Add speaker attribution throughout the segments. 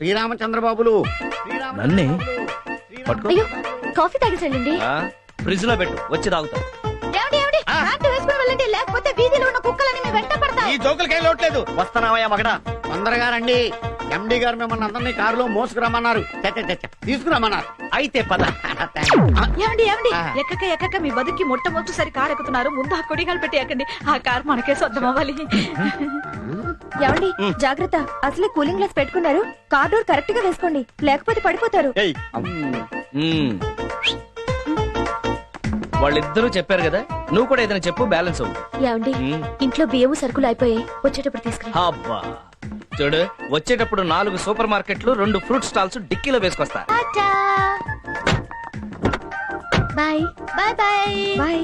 Speaker 1: శ్రీరామచంద్రబాబులు
Speaker 2: నన్నే
Speaker 3: అయ్యో coffee తాగేసండి.
Speaker 2: Fridge లో పెట్టు, వచ్చి తాగుతా.
Speaker 3: లేకపోతే వీధిలో ఉన్న కుక్కలని మీ వెంట పడతాయి.
Speaker 1: ఈ జోకులకి ఏం లోట్లేదు. వస్తున్నావయ్యా మగడా, తొందరగా రండి. ఎండి గారు మిమ్మల్ని అందరినీ కారులో మోసుకురమ్మన్నారు, తీసుకురమ్మన్నారు.
Speaker 2: అయితే పద.
Speaker 4: ఏమండి ఎక్కక మీ బతుకి మొట్టమొదటిసారి కారు ఎక్కుతున్నారు. ముందు ఆ కొడిగాలు పెట్టి ఎక్కండి. ఆ కారు మనకే సొంతం అవ్వాలి.
Speaker 3: ఏమండి జాగ్రత్త, అసలే కూలింగ్ గ్లాస్ పెట్టుకున్నారు. కార్ డోర్ కరెక్ట్ గా వేసుకోండి, లేకపోతే పడిపోతారు.
Speaker 2: వాళ్ళిద్దరూ చెప్పారు కదా, నువ్వు కూడా ఏదైనా చెప్పు, బ్యాలెన్స్ అవ్వు.
Speaker 3: ఏమండి ఇంట్లో బియ్యము సరుకులు అయిపోయాయి, వచ్చేటప్పుడు తీసుకురా.
Speaker 2: అబ్బా చూడు, వచ్చేటప్పుడు 4 సూపర్ మార్కెట్లు 2 ఫ్రూట్ స్టాల్స్ డిక్కీలో వేసుకొస్తా.
Speaker 3: Bye bye bye bye.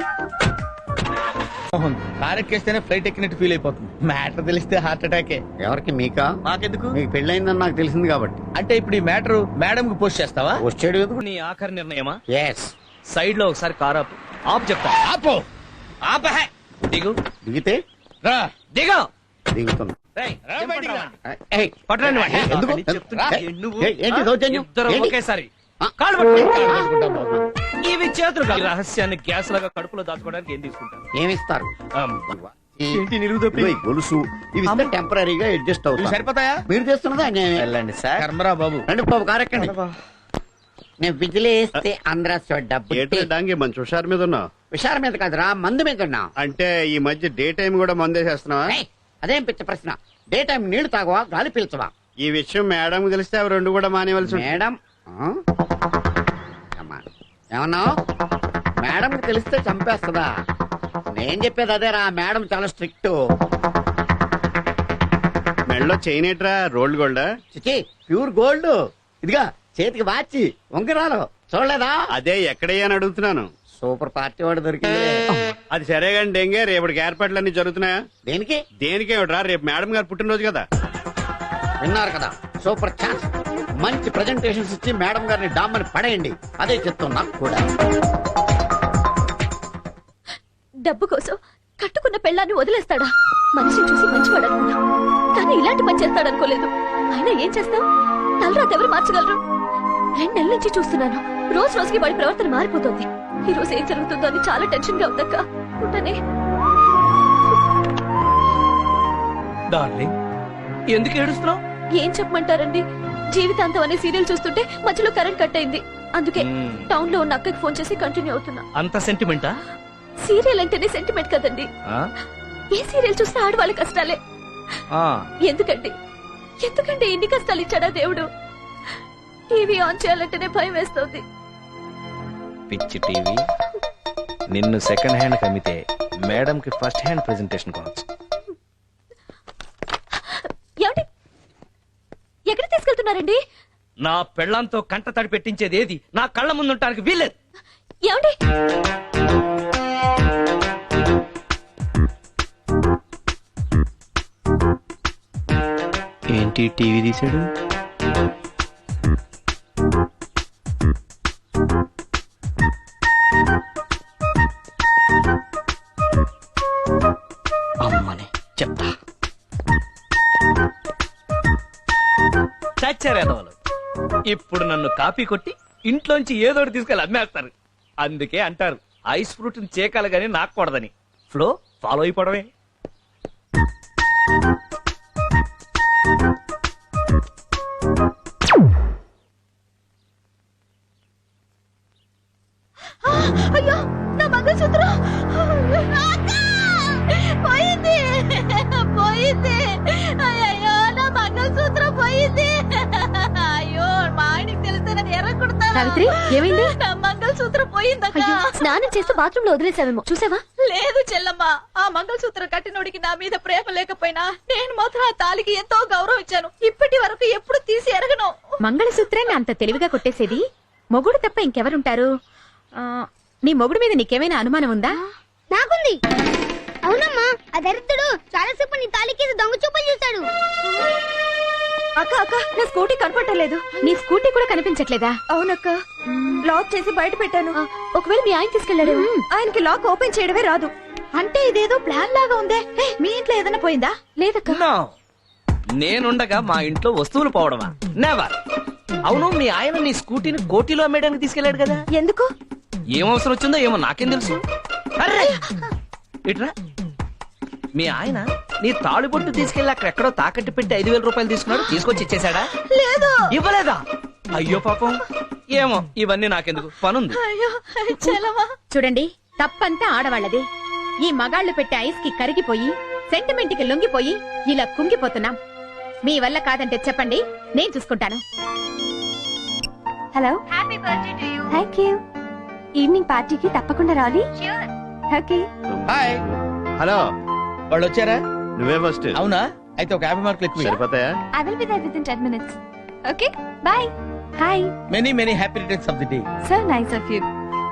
Speaker 1: Car ఎక్కేస్తేనే ఫ్లైట్ ఎక్కినట్టు ఫీల్ అయిపోతుంది. మ్యాటర్ తెలిస్తే హార్ట్ అటాకే. ఎవరికి? మీకా?
Speaker 2: నాకెందుకు?
Speaker 1: మీకు పెళ్ళైందని నాకు తెలిసింది కాబట్టి.
Speaker 2: అంటే ఇప్పుడు ఈ మ్యాటర్ మేడం కి పోస్ట్ చేస్తావా?
Speaker 1: వచ్చాడు ఎందుకు?
Speaker 2: నీ ఆఖరి నిర్ణయమా?
Speaker 1: ఎస్.
Speaker 2: సైడ్ లో ఒకసారి కార్ ఆపు. ఆపు చెప్తా.
Speaker 1: ఆపో.
Speaker 2: ఆపహే. దిగు.
Speaker 1: దిగితే
Speaker 2: రా. దిగు.
Speaker 1: దిగుతున్నా.
Speaker 2: రేయ్, చెంపట్రా.
Speaker 1: ఏయ్,
Speaker 2: పట్టరండి వాడిని.
Speaker 1: ఎందుకు?
Speaker 2: చెప్తున్నా. నువ్వు
Speaker 1: ఏంటి దౌర్జన్యం?
Speaker 2: ఇద్దరు
Speaker 1: ఏంటి?
Speaker 2: ఒకేసారి
Speaker 1: ఆ?
Speaker 2: కాళ్ళు పట్టుకో.
Speaker 1: పట్టుకుంటాం బాబు.
Speaker 2: ఇవి చేతులు కాదు. ఈ రహస్యాన్ని గ్యాస్ లాగా కడుపులో దాచుకోవడానికి ఏం తీసుకుంటాను?
Speaker 1: ఏమిస్తారు?
Speaker 2: ఏంటి నిలుగుదొప్పి?
Speaker 1: ఇదిగో ఈ గొలుసు ఇవి ఇస్తే టెంపరీగా అడ్జస్ట్ అవుతాయి.
Speaker 2: సరిపోతాయా?
Speaker 1: మీరు చేస్తున్నదా అన్యాయమే.
Speaker 2: వెళ్ళండి సార్.
Speaker 1: కర్మరా బాబు. రండి బాబు, కారెక్కండి. నేను బిజిలీ వేస్తే ఆంధ్ర
Speaker 5: డాంగి మంచి హుషారు మీద ఉన్నావు.
Speaker 1: విషారం మీద కాదురా, మందు మీద ఉన్నా.
Speaker 5: అంటే ఈ మధ్య డే టైం కూడా మందేసేస్తున్నావా?
Speaker 1: అదేం పిచ్చ ప్రశ్న. డే టైం నీళ్లు తాగవా, గాలి పీల్చవా?
Speaker 5: ఈ విషయం మేడం తెలిస్తే అవి 2 కూడా మానేవలసి ఉంటుంది.
Speaker 1: మేడం ఏమన్నావు? మేడం తెలిస్తే చంపేస్తుందా? నేను చెప్పేది అదేరా, మేడం చాలా స్ట్రిక్ట్.
Speaker 5: మెడలో చైన్ ఏట్రా, రోల్డ్ గోల్డా?
Speaker 1: చిచి, ప్యూర్ గోల్డ్. ఇదిగా చేతికి వాచి, ఉంగరాలు చూడలేదా?
Speaker 5: అదే ఎక్కడయ్యా అని అడుగుతున్నాను.
Speaker 1: సూపర్ పార్టీ వాడు దొరికింది.
Speaker 5: అది సరే కానీ డెంగే, రేపటికి ఏర్పాట్లన్నీ జరుగుతున్నాయా?
Speaker 1: దేనికి?
Speaker 5: దేనికేమిట్రా, రేపు మేడం గారు పుట్టినరోజు కదా.
Speaker 1: విన్నారు కదా, సూపర్ ఛాన్స్. మంచి ప్రెజెంటేషన్స్ ఇచ్చి మేడం గారిని డామ్మని పడేయండి. అదే చెప్తాం నాకు కూడా.
Speaker 3: డబ్బు కోసం కట్టుకున్న పెళ్ళాన్ని వదిలేస్తాడా? మనిషిని చూసి మంచివాడు అనుకున్నా, కానీ ఇలాంటి పని చేస్తాడనుకోలేదు. అయినా ఏం చేస్తాం, తలరాత ఎవరు మార్చగలరు? 2 నెలల నుంచి చూస్తున్నాను, రోజు రోజుకి వాడి ప్రవర్తన మారిపోతుంది. ఈ రోజు ఏం జరుగుతుందో అని చాలా టెన్షన్ గా ఉందక్క. ఉంటానే.
Speaker 2: డార్లింగ్, ఎందుకు ఏడుస్తున్నావు?
Speaker 3: ఏం చెప్పమంటారండి, జీవితాంతం అనే సీరియల్ చూస్తుంటే మధ్యలో కరెంట్ కట్ అయింది. అందుకే టౌన్ లో ఉన్న అక్కకి ఫోన్ చేసి కంటిన్యూ అవుతున్నా.
Speaker 2: అంత సెంటిమెంటా?
Speaker 3: సీరియల్ అంటేనే సెంటిమెంట్ కదండి. ఏ సీరియల్ చూసినా ఆడవాళ్ళ కష్టాలే. ఎందుకండి ఇన్ని కష్టాలు ఇచ్చాడా దేవుడు? టీవీ ఆన్ చేయాలంటేనే భయం వేస్తుంది.
Speaker 2: పిచ్చి టీవీ. నిన్ను సెకండ్ హ్యాండ్ కమితే మేడం కి ఫస్ట్ హ్యాండ్ ప్రెజెంటేషన్ కావచ్చు.
Speaker 3: ఏమండి, ఎక్కడ తీసుకెళ్తున్నారండి?
Speaker 2: నా పెళ్ళంతో కంట తడి పెట్టించేది ఏది నా కళ్ళ ముందుంటానికి వీల్లేదు.
Speaker 3: ఏమండి?
Speaker 2: ఏంటి టీవీ తీసాడు? అమ్మని చెప్తా. చచ్చారేదవాళ్ళు ఇప్పుడు నన్ను కాపీ కొట్టి ఇంట్లోంచి ఏదోటి తీసుకెళ్ళి అమ్మేస్తారు. అందుకే అంటారు ఐస్ ఫ్రూట్ చేకాలి గానీ నాకూడదని. Flow follow అయిపోవడమే.
Speaker 3: అయ్యో, నా మంగళసూత్రం పోయింది. అయ్యో, నా మంగళసూత్రం పోయింది. అయ్యో, మా ఆయనకి తెలిస్తే నన్ను ఎర్రకుడతా. సావిత్రి, ఏమైంది? నా మంగళసూత్రం పోయిందక్క. స్నానం చేస్తూ బాత్రూమ్ లో వదిలేసావేమో, చూసావా? లేదు చెల్లమ్మ, ఆ మంగళసూత్రం కట్టినోడికి నా మీద ప్రేమ లేకపోయినా నేను మాత్రం ఆ తాలికి ఎంతో గౌరవం ఇచ్చాను. ఇప్పటి వరకు ఎప్పుడు తీసి ఎరగను.
Speaker 4: మంగళసూత్రాన్ని అంత తెలివిగా కొట్టేసేది మొగుడు తప్ప ఇంకెవరుంటారు? నీ మొగుడు మీద నీకేమైనా అనుమానం ఉందా?
Speaker 6: నాకుంది. అవునమ్మా, ఆ దరిద్రుడు చాలాసేపు నీ తాలికి దొంగ చూపులు చూశాడు.
Speaker 3: అక్క నా స్కూటీ కనపడలేదు.
Speaker 4: నీ స్కూటీ కూడా కనిపించట్లేదా?
Speaker 3: అవునక్క, లాక్ చేసి బయట పెట్టాను. ఒకవేళ మీ ఆయన తీసుకెళ్లాడు. ఆయనకి లాక్ ఓపెన్ చేయడమే రాదు.
Speaker 4: అంటే ఇదేదో ప్లాన్ లాగా ఉందే. మీ ఇంట్లో ఏదైనా పోయిందా?
Speaker 3: లేదక్క.
Speaker 2: నేనుండగా మా ఇంట్లో వస్తువులు పోవడమా? నెవర్. అవును, మీ ఆయన నీ స్కూటీని కోటిలో అమ్మేయడానికి తీసుకెళ్లాడు కదా,
Speaker 3: ఎందుకు?
Speaker 2: ఏం అవసరం వచ్చిందో ఏమో నాకేం తెలుసు. అర్రే! ఇట్రా. మీ ఆయన నీ తాళిబొట్టు తీసుకెళ్లి అక్కడెక్కడో తాకట్టు పెట్టి 5,000 రూపాయలు తీసుకున్నాడు, తీసుకొచ్చి ఇచ్చేశాడా?
Speaker 3: లేదు.
Speaker 2: ఇవ్వలేదా? అయ్యో పాపం. ఏమో, ఇవన్నీ నాకెందుకు, పనుంది.
Speaker 3: అయ్యో చలమా.
Speaker 4: చూడండి, తప్పంతా ఆడవాళ్ళది. ఈ మగాళ్ళు పెట్టే ఐస్ కి కరిగిపోయి సెంటిమెంట్ కి లొంగిపోయి ఇలా కుంగిపోతున్నాం. మీ వల్ల కాదంటే చెప్పండి, నేను చూసుకుంటాను.
Speaker 3: Hello, happy birthday to you. Thank you. Evening పార్టీకి తప్పకుండా రావాలి. ష్యూర్. ఓకే.
Speaker 7: హాయ్,
Speaker 5: హలో,
Speaker 7: వాళ్ళు వచ్చారా?
Speaker 5: నువ్వే ఫస్ట్.
Speaker 7: అవునా? అయితే ఒక 50 మార్కులు ఎక్కువ.
Speaker 5: సరిపోతాయా?
Speaker 3: I will be there within 10 minutes. Okay? Bye. Hi.
Speaker 7: Many many happy returns of the day.
Speaker 3: So nice of you.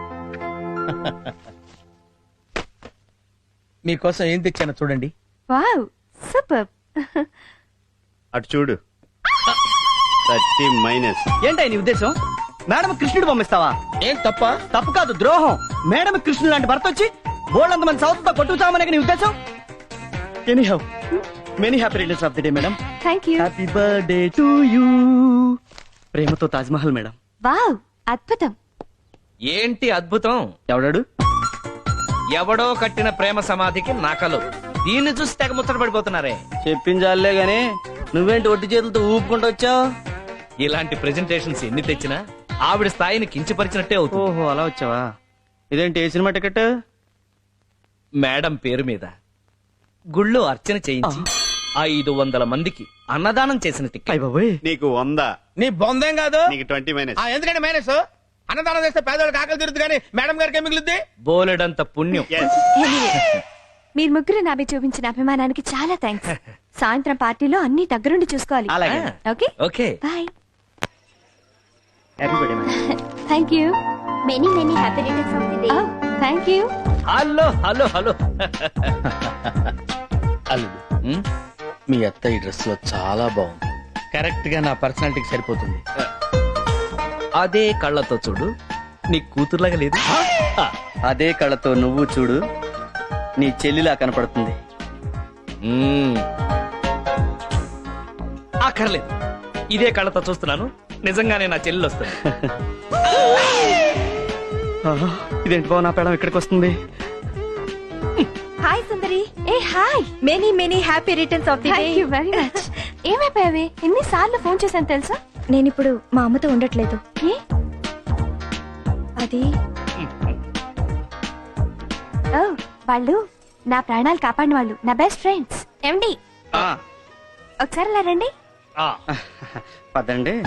Speaker 7: మీకోసం ఏం తెచ్చానో చూడండి.
Speaker 3: Wow. Superb.
Speaker 5: అటు చూడు. 30 మైనస్.
Speaker 2: ఏంటై నీ ఉద్దేశం? మేడం కృష్ణుడు పంపిస్తావా?
Speaker 7: ఏం తప్ప?
Speaker 2: తప్పు కాదు, ద్రోహం. మేడం కృష్ణుడు లాంటి భర్త వచ్చి బోల్డంత మంది సౌత్ తో కొట్టుకుతామనే నీ ఉద్దేశం? Anyhow, many happy returns of the day madam.
Speaker 3: Thank you.
Speaker 2: Happy birthday to you. ప్రేమతో తాజ్ మహల్ మేడం.
Speaker 3: Wow. అద్భుతం.
Speaker 2: ఏంటి అద్భుతం? ఎవడాడు? ఎవడో కట్టిన ప్రేమ సమాధికి నకలు. దీన్ని చూసి తెగ ముచ్చట పడిపోతున్నారే.
Speaker 8: చెప్పించాలే గాని నువ్వేంటి ఒట్టి చేతులతో ఊపుకుంటూ వచ్చావు?
Speaker 2: ఇలాంటి ప్రెజెంటేషన్స్ ఎన్ని తెచ్చినా ఆవిడ స్థాయిని కించపరిచినట్టే అవుతుంది.
Speaker 8: ఓహో, అలా వచ్చావా? ఇదేంటి ఏ సినిమా టికెట్?
Speaker 2: మేడం పేరు మీద గుళ్ళో అర్చన చేయించి 500 మందికి అన్నదానం చేసిన టికెట్.
Speaker 5: నీకు 100.
Speaker 7: నీ బొందేం కాదు.
Speaker 5: నీకు 20 మైనస్.
Speaker 7: ఎందుకంటే మైనస్ అన్నదానం చేస్తే పేదవాళ్ళకి ఆకలి తీరుతుంది కానీ మేడం గారికి ఏం మిగులుద్ది?
Speaker 2: బోలెడంత పుణ్యం.
Speaker 5: Yes.
Speaker 3: మీరు ముగ్గురు నాపై చూపించిన అభిమానానికి చాలా థ్యాంక్స్. సాయంత్రం పార్టీలో అన్ని దగ్గరుండి చూసుకోవాలి.
Speaker 8: అలాగే.
Speaker 3: Okay.
Speaker 2: Okay.
Speaker 3: Bye.
Speaker 8: Happy birthday madam.
Speaker 3: Thank you.
Speaker 6: Many many happy returns of the day.
Speaker 3: Thank you.
Speaker 2: Hello hello hello.
Speaker 7: అల్లుడు,
Speaker 2: ఉమ్,
Speaker 7: మీ అత్త ఈ డ్రెస్ లో చాలా బాగుంది. కరెక్ట్ గా నా పర్సనాలిటీకి సరిపోతుంది.
Speaker 2: అదే కళ్ళతో చూడు, నీ కూతురులాగా లేదు.
Speaker 8: అదే కళ్ళతో నువ్వు చూడు, నీ చెల్లిలా కనపడుతుంది.
Speaker 2: ఉమ్. అక్కర్లేదు, ఇదే కళ్ళతో చూస్తున్నాను, నిజంగానే నా చెల్లెలు వస్తుంది.
Speaker 8: ఇదేంటి బావ, నా పేడం ఇక్కడికి వస్తుంది?
Speaker 3: హాయ్ సుందరి. ఏ hi. Many many happy returns of the day. Thank you very much. ఏమైపోయావే? ఎన్నిసార్లు ఫోన్ చేశాను తెలుసా?
Speaker 6: నేను ఇప్పుడు మా అమ్మతో ఉండట్లేదు.
Speaker 3: ఏ?
Speaker 6: అది
Speaker 3: ఓ, వాళ్ళు నా ప్రాణాలు కాపాడిన వాళ్ళు, నా బెస్ట్ ఫ్రెండ్స్. ఏమండి, ఒకసారి అలా రండి.
Speaker 2: ఆ,
Speaker 8: పదండి.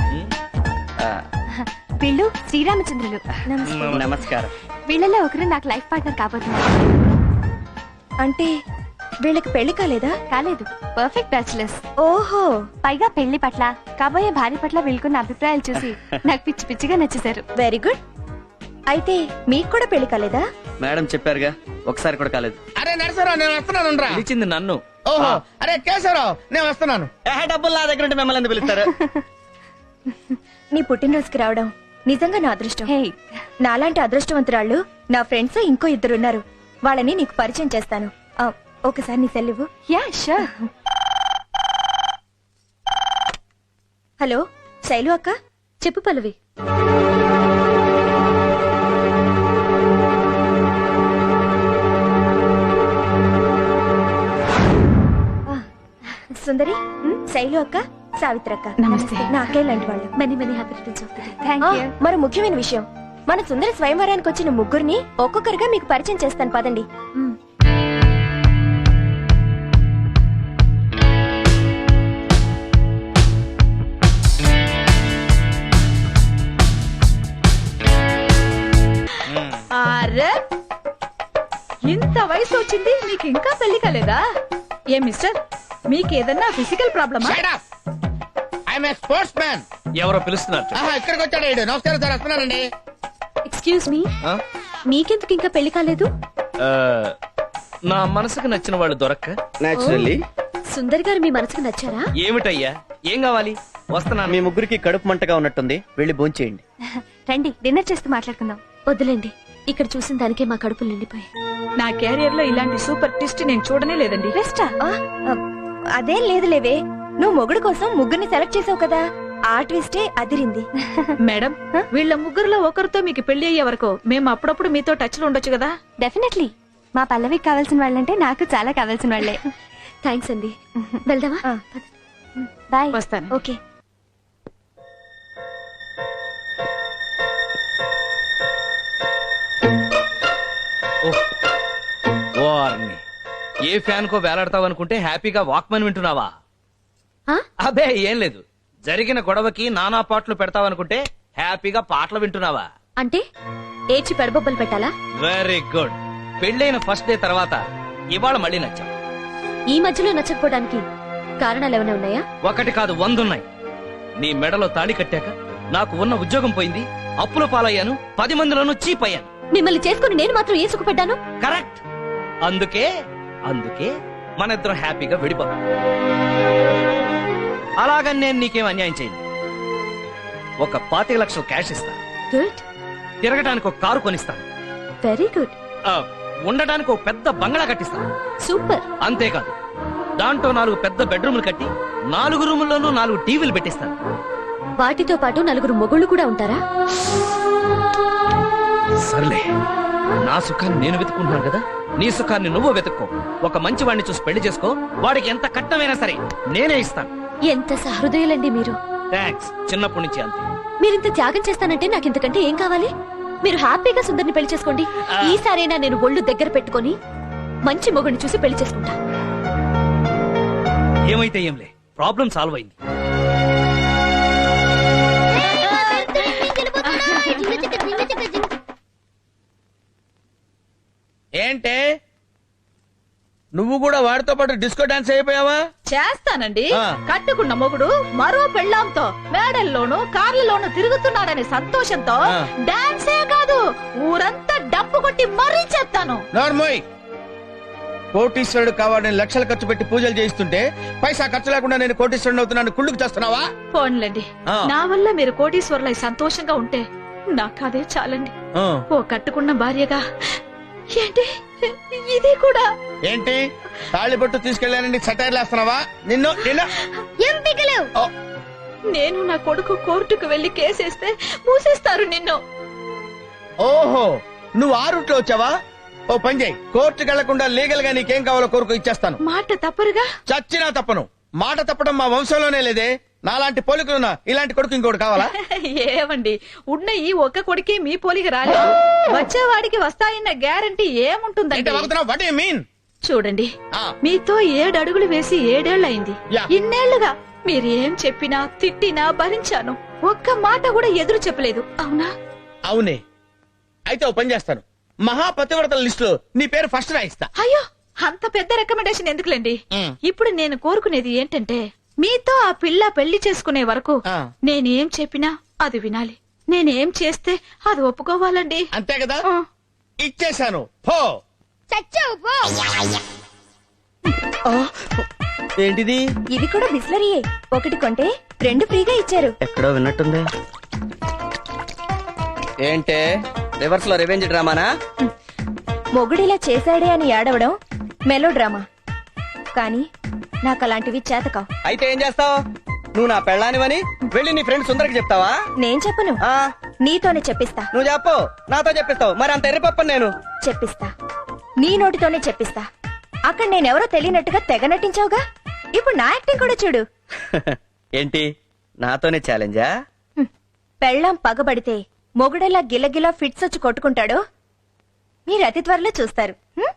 Speaker 3: వీళ్ళు శ్రీరామచంద్రులు.
Speaker 8: నమస్కారం.
Speaker 3: వీళ్ళలో ఒకరు నాకు లైఫ్ పార్ట్నర్ కాబోతున్నారు.
Speaker 6: అంటే వీళ్ళకి పెళ్లి కాలేదా?
Speaker 3: కాలేదు, పర్ఫెక్ట్ బ్యాచులర్స్.
Speaker 6: ఓహో,
Speaker 3: పైగా పెళ్లి పట్ల, కాబోయే భార్య పట్ల వీళ్ళకున్న అభిప్రాయాలు చూసి నాకు పిచ్చి పిచ్చిగా నచ్చేశారు.
Speaker 6: Very good. అయితే మీకు కూడా పెళ్లి కాలేదా?
Speaker 8: మేడం చెప్పారుగా, ఒకసారి కూడా కాలేదు.
Speaker 7: అరే నరసరావు, నేను వస్తున్నాను రా.
Speaker 2: పిలిచింది నన్ను.
Speaker 7: ఓహో, అరే కేశవరావు, నేను వస్తున్నాను.
Speaker 8: డబ్బులు నా దగ్గర ఉంటే మిమ్మల్ని ఎందుకు పిలుస్తారు?
Speaker 6: నీ పుట్టినరోజుకి రావడం నిజంగా నా అదృష్టం.
Speaker 3: హే,
Speaker 6: నాలాంటి అదృష్టవంతురాళ్ళు నా ఫ్రెండ్స్ ఇంకో 2 ఉన్నారు. వాళ్ళని నీకు పరిచయం చేస్తాను. ఒకసారి నీ సెల్ ఇవ్వు.
Speaker 3: Yeah sure.
Speaker 6: హలో, శైలు అక్క.
Speaker 3: చెప్పు పల్లవి.
Speaker 6: సుందరి, శైలు అక్క, సావిత్రి అక్క.
Speaker 3: నమస్తే.
Speaker 6: నా అక్కయ్య లాంటి వాళ్ళు.
Speaker 3: Many many happy returns of the day. Thank you.
Speaker 6: మరో ముఖ్యమైన విషయం, మన సుందరి స్వయంవరానికి వచ్చిన ముగ్గురిని ఒక్కొక్కరుగా మీకు పరిచయం చేస్తాను, పదండి.
Speaker 4: అరే, ఇంత వయసు వచ్చింది, మీకు ఇంకా పెళ్లి కాలేదా? ఏ మిస్టర్, మీకేదన్నా ఫిజికల్ ప్రాబ్లమా?
Speaker 7: I'm a sportsman.
Speaker 2: ఎవరో పిలుస్తున్నారు.
Speaker 7: ఇక్కడికి వచ్చాడు ఈడు. నమస్కారం సార్, వస్తున్నానండి.
Speaker 3: ఎక్స్క్యూజ్ మీ,
Speaker 2: ఆ?
Speaker 3: మీకెందుకు ఇంకా పెళ్లి కాలేదు?
Speaker 2: ఆ, నా మనసుకు నచ్చిన వాళ్ళు దొరక్క.
Speaker 8: నేచురల్లీ
Speaker 3: సుందర్ గారు మీ మనసుకు నచ్చారా?
Speaker 2: ఏమిటయ్యా, ఏం కావాలి? వస్తున్నాను.
Speaker 8: మీ ముగ్గురికి కడుపు మంటగా ఉన్నట్టుంది, వెళ్ళి భోంచేయండి.
Speaker 3: రండి, డిన్నర్ చేస్తూ మాట్లాడుకుందాం. వద్దులేండి, ఇక్కడ చూసిన దానికే మా కడుపులు నిండిపోయాయి.
Speaker 4: నా క్యారియర్ లో ఇలాంటి సూపర్ ట్విస్ట్ నేను చూడనే లేదండి.
Speaker 3: బెస్టా?
Speaker 6: అదేం లేదులేవే, నువ్వు మొగుడు కోసం ముగ్గురిని సెలెక్ట్ చేసావు కదా, ఆ ట్విస్టే అదిరింది.
Speaker 4: మేడం వీళ్ళ ముగ్గురులో ఒకరితో మీకు పెళ్లి అయ్యే వరకు మేము అప్పుడప్పుడు మీతో టచ్ లో ఉండొచ్చు కదా.
Speaker 6: డెఫినెట్లీ. మా పల్లవికి కావాల్సిన వాళ్ళంటే నాకు చాలా కావాల్సిన వాళ్ళే.
Speaker 3: థ్యాంక్స్ అండి. వెళ్దామా?
Speaker 6: బాయ్.
Speaker 4: వస్తాను.
Speaker 6: ఓకే.
Speaker 2: ఓర్ని, ఏ ఫ్యాన్ కో వేలాడతావు అనుకుంటే హ్యాపీగా వాక్మన్ వింటున్నావా?
Speaker 3: ఆ?
Speaker 2: అబే ఏం లేదు. జరిగిన గొడవకి నానా పాటలు పెడతావనుకుంటే హ్యాపీగా పాటలు వింటున్నావా?
Speaker 3: అంటే ఏడ్చి పెడబొబ్బలు పెట్టాలా?
Speaker 2: Very good. పెళ్ళైన ఫస్ట్ డే తర్వాత ఇవాళ మళ్ళీ నచ్చావు.
Speaker 3: ఈ మధ్యలో నచ్చకపోవడానికి కారణాలు ఏమైనా ఉన్నాయా?
Speaker 2: ఒకటి కాదు 100 ఉన్నాయి. నీ మెడలో తాళి కట్టాక నాకు ఉన్న ఉద్యోగం పోయింది, అప్పుల పాలయ్యాను, 10 మందిలోనూ చీప్ అయ్యాను.
Speaker 3: మిమ్మల్ని చేసుకుని నేను మాత్రం ఏ సుఖపడ్డాను?
Speaker 2: కరెక్ట్. అందుకే మన ఇద్దరం హ్యాపీగా విడిపోతాం. అలాగని నేను నీకేం అన్యాయం చేయను. ఒక 25 లక్షలు క్యాష్ ఇస్తా,
Speaker 3: గుడ్,
Speaker 2: తిరగడానికి ఒక కారు కొనిస్తాను,
Speaker 3: వెరీ గుడ్,
Speaker 2: ఉండడానికి ఒక పెద్ద బంగ్లా కట్టిస్తాను.
Speaker 3: సూపర్.
Speaker 2: అంతేకాదు, దాంట్లో 4 పెద్ద బెడ్రూమ్లు కట్టి 4 రూముల్లోనూ 4 టీవీలు పెట్టిస్తాను.
Speaker 3: వాటితో పాటు 4 మొగుళ్ళు కూడా ఉంటారా?
Speaker 2: సర్లే, నా సుఖాన్ని నేను వెతుకుంటున్నాను కదా, నీ సుఖాన్ని నువ్వు వెతుక్కో. ఒక మంచి వాడిని చూసి పెళ్లి చేసుకో, వాడికి ఎంత కట్నమైనా సరే నేనే ఇస్తాను.
Speaker 3: ఎంత సహృదయులండి మీరు.
Speaker 2: థ్యాంక్స్. చిన్నప్పటి నుంచి అంతే.
Speaker 3: మీరింత త్యాగం చేస్తానంటే నాకు ఇంతకంటే ఏం కావాలి? మీరు హ్యాపీగా సుందర్ని పెళ్లి చేసుకోండి. ఈసారైనా నేను ఒళ్ళు దగ్గర పెట్టుకొని మంచి మొగుడిని చూసి పెళ్లి చేసుకుంటా.
Speaker 2: ఏమైతే ఏంలే, ప్రాబ్లం సాల్వ్ అయింది.
Speaker 7: ఏంటే నువ్వు కూడా వాడితో పాటు డిస్కో డాన్స్ అయిపోయావా?
Speaker 4: చేస్తానండి.
Speaker 7: ఆ.
Speaker 4: కట్టుకున్న మొగుడు మరో పెళ్ళాంతో మేడల్లోనూ కార్లలోనూ తిరుగుతున్నాడనే సంతోషంతో
Speaker 7: ఆ.
Speaker 4: డాన్సే కాదు ఊరంతా డప్పు కొట్టి మరీ చేస్తాను.
Speaker 7: నోర్మోయ్, కోటీశ్వరుడు కావాలని లక్షలు ఖర్చు పెట్టి పూజలు చేయిస్తుంటే పైసా ఖర్చు లేకుండా నేను కోటీశ్వరుడు అవుతున్నాను కుళ్ళుకు చేస్తున్నావా?
Speaker 4: పోన్లేండి,
Speaker 7: ఆ.
Speaker 4: నా వల్ల మీరు కోటీశ్వరులై సంతోషంగా ఉంటే నాకు అదే చాలండి.
Speaker 7: ఆ.
Speaker 4: ఓ కట్టుకున్న భార్యగా ఏంటి ఇది కూడా
Speaker 7: ఏంటి తాళిబొట్టు తీసుకెళ్ళానని సెటైర్లు వేస్తున్నావా? నిన్ను నిన్న ఓ,
Speaker 4: నేను నా కొడుకు కోర్టుకు వెళ్లి కేసేస్తే మూసేస్తారు నిన్ను.
Speaker 7: ఓహో, నువ్వు ఆ రూట్ లో వచ్చావా? ఓ పని చేయి, కోర్టుకు వెళ్లకుండా లీగల్ గా నీకేం కావాలో కోరుకు ఇచ్చేస్తాను.
Speaker 4: మాట తప్పరుగా?
Speaker 7: చచ్చినా తప్పను. మాట తప్పడం మా వంశంలోనే లేదే. నాలాంటి పోలికలున్నా ఇలాంటి కొడుకు ఇంకోటి కావాలా?
Speaker 4: ఏమండి, ఉన్న ఈ ఒక్క కొడుకే మీ పోలికి రాలేదు. వచ్చేవాడికి వస్తాయన్న గ్యారంటీ ఏముంటుందండి?
Speaker 7: What you mean?
Speaker 4: చూడండి,
Speaker 7: ఆ.
Speaker 4: మీతో 7 అడుగులు వేసి 7 ఏళ్లయింది.
Speaker 7: యా.
Speaker 4: ఇన్నేళ్లుగా మీరు ఏం చెప్పినా తిట్టినా భరించాను. ఒక్క మాట కూడా ఎదురు చెప్పలేదు, అవునా?
Speaker 7: అవునే. అయితే ఓ పని చేస్తాను, మహాపతివ్రతల లిస్ట్ లో నీ పేరు ఫస్ట్ రాయిస్తా.
Speaker 4: అయ్యో, అంత పెద్ద రికమెండేషన్ ఎందుకులేండి. ఇప్పుడు నేను కోరుకునేది ఏంటంటే, మీతో ఆ పిల్ల పెళ్లి చేసుకునే వరకు
Speaker 7: ఆ.
Speaker 4: నేనేం చెప్పినా అది వినాలి. నేనేం చేస్తే అది ఒప్పుకోవాలండి.
Speaker 7: అంతే కదా?
Speaker 4: ఆ.
Speaker 7: ఇచ్చేశాను. పో. ఏంటిది?
Speaker 6: ఇది కూడా బిస్లరీయే. ఒకటి కొంటే 2 ఫ్రీగా ఇచ్చారు.
Speaker 8: ఎక్కడో విన్నట్టుంది. ఏంటే రివర్స్ లో రివెంజ్ డ్రామానా?
Speaker 6: మొగుడిలా చేశాడే అని ఏడవడం మెలో డ్రామా. కానీ నాకు అలాంటివి చేతకావు.
Speaker 8: అయితే ఏం చేస్తావు? నువ్వు నా పెళ్ళానివని వెళ్ళి నీ ఫ్రెండ్ సుందరికి చెప్తావా?
Speaker 6: నేను చెప్పను,
Speaker 8: ఆ,
Speaker 6: నీతోనే చెప్పిస్తా.
Speaker 8: నువ్వు చెప్పు, నాతో చెప్పిస్తావు. మరి అంత ఎర్రిపప్పని నేను
Speaker 6: చెప్పిస్తా, నీ నోటితోనే చెప్పిస్తా. అక్కడ నేనెవరో తెలియనట్టుగా తెగ నటించావుగా, ఇప్పుడు నా యాక్టింగ్ కూడా చూడు.
Speaker 8: ఏంటి నాతోనే ఛాలెంజా?
Speaker 6: పెళ్ళాం పగబడితే మొగుడెలా గిలగిలా ఫిట్స్ వచ్చి కొట్టుకుంటాడో మీరు అతి త్వరలో చూస్తారు.